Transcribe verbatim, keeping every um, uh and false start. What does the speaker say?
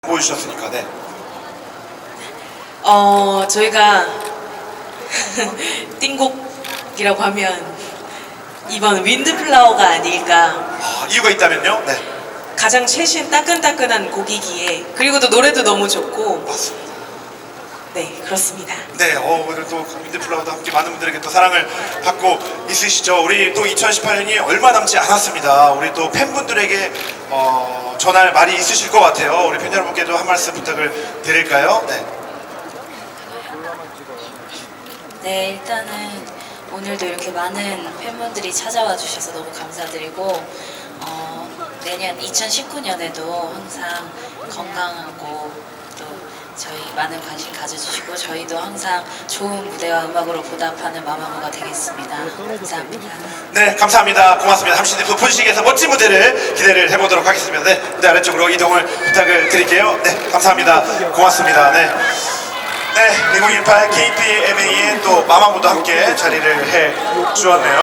보여주셨으니까. 네. 어, 저희가 띵곡이라고 하면 이번 윈드플라워가 아닐까. 아, 이유가 있다면요? 네. 가장 최신 따끈따끈한 곡이기에, 그리고 또 노래도 너무 좋고. 맞습니다. 네, 그렇습니다. 네, 어, 오늘 또 윈드플라워도 함께 많은 분들에게 또 사랑을 받고 있으시죠. 우리 또 이천십팔 년이 얼마 남지 않았습니다. 우리 또 팬분들에게 어, 전할 말이 있으실 것 같아요. 우리 팬 여러분께도 한 말씀 부탁을 드릴까요? 네. 네, 일단은 오늘도 이렇게 많은 팬분들이 찾아와 주셔서 너무 감사드리고 어, 내년 이천십구 년에도 항상 건강하고 또 저희 많은 관심 가져주시고 저희도 항상 좋은 무대와 음악으로 보답하는 마마무가 되겠습니다. 감사합니다. 네, 감사합니다. 고맙습니다. 잠시 뒤 분식에서 멋진 무대를 기대를 해보도록 하겠습니다. 네, 무대 아래쪽으로 이동을 부탁을 드릴게요. 네, 감사합니다. 고맙습니다. 네. 네, 이천십팔 케이피엠에이의 또 마마무도 함께 자리를 해 주었네요.